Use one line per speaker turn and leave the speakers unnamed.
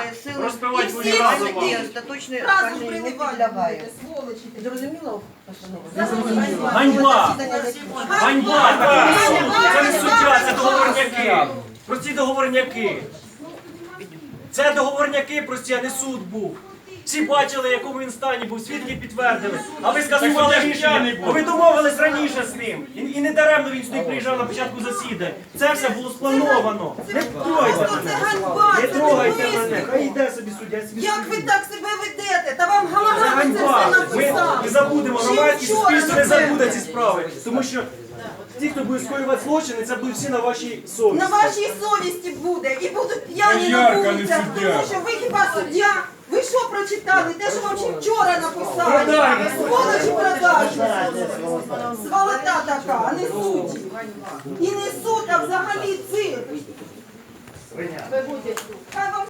сили
розпивати
і
будемо
всі
разом.
судді остаточно
Разом
скажені не
приливати
підлягають.
будете, сволочі.
Зрозуміло постанова?
Ганьба!
Засідання закінчено.
Ганьба! Так не суд! Це не суддя, це договорняки! Прості договорняки! Це договорняки прості, а не суд був. Всі бачили, в якому він стані був, свідки підтвердили. А ви скасували рішення, бо ви домовились раніше з ним. І не даремно він сюди приїжджав на початку засідань. Це все було сплановано. Не трогайте
Просто це
мене.
ганьба,
Не
це
трогайте
не
мене.
виступ.
Хай йде собі суддя. я собі
Як
стою.
ви так себе ведете? Та вам
Це
голова це
ганьба.
все
Ми
написав.
не забудемо,
Ще
громадське
вчора,
суспільство не
напевне.
забуде ці справи. Тому що ті, хто буде скоювати злочини, це будуть всі на вашій совісті.
На вашій совісті буде і будуть п'яні на
Ярка, не
вулицях,
суддя.
тому що ви хіба суддя? Ви що прочитали? Те, що вам ще вчора написали.
Продажні.
Сволочі продажні. Сволота така, а не судді. І не суд, а взагалі цирк. Хай